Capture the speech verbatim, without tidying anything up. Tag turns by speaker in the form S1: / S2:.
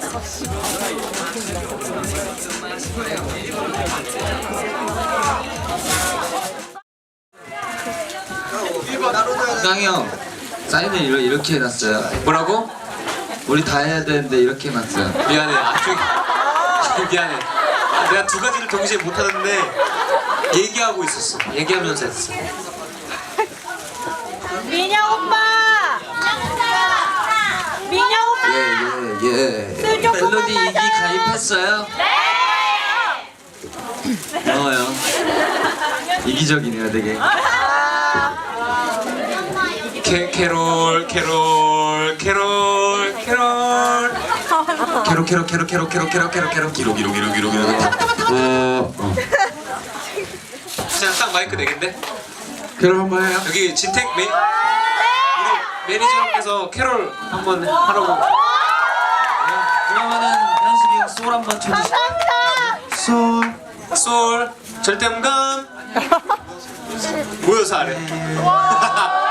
S1: 깡이 형 사인을 이러, 이렇게 해놨어요.
S2: 뭐라고?
S1: 우리 다 해야 되는데 이렇게 해놨어요.
S2: 미안해. 아, 좀 미안해. 아, 내가 두 가지를 동시에 못하는데 얘기하고 있었어. 얘기하면서 했어.
S3: 민영 오빠! 민영 오빠!
S1: 예예 예.
S3: 술 조금만
S1: 멜로디 이기
S3: 마셔요.
S1: 가입했어요? 네! 고마워요. 이기적이네요 되게.
S2: 캐, 캐롤 캐롤 캐롤 캐롤
S1: 캐로 캐로 캐로 캐로 캐로 캐로 캐로 캐로 기로 기로 기로 기로 기로. 어, 어.
S2: 그냥 딱 마이크 내겠네?
S1: 캐로 한번 해요.
S2: 여기 진택 매, 우리 매니저님께서 캐롤 한번 하라고.
S1: 그러면은 현식이 형 소울 한번 쳐주시. 소울.
S2: 솔 절대음감 모여서 하래.